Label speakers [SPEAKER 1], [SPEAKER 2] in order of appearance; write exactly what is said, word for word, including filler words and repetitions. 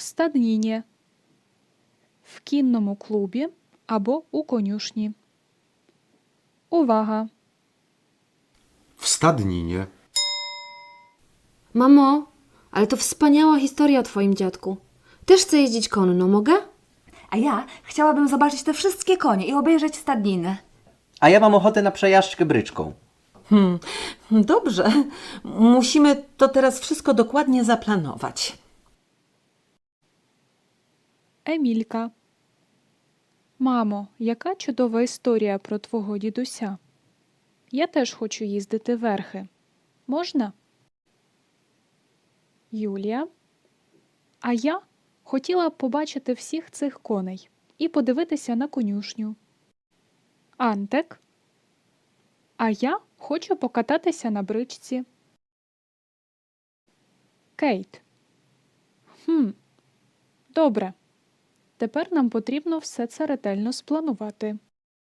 [SPEAKER 1] стадніні, в кінному клубі або у конюшні. Увага!
[SPEAKER 2] W stadninie.
[SPEAKER 3] Mamo, ale to wspaniała historia o twoim dziadku. Też chcę jeździć konno, mogę?
[SPEAKER 4] A ja chciałabym zobaczyć te wszystkie konie i obejrzeć stadninę.
[SPEAKER 5] A ja mam ochotę na przejażdżkę bryczką.
[SPEAKER 6] Hmm, dobrze. Musimy to teraz wszystko dokładnie zaplanować.
[SPEAKER 1] Емілька. Мамо, яка чудова історія про твого дідуся. Я теж хочу їздити верхи. Можна? Юлія. А я хотіла б побачити всіх цих коней і подивитися на конюшню. Антек. А я хочу покататися на бричці. Кейт. Хм. Добре. Тепер нам потрібно все це ретельно спланувати.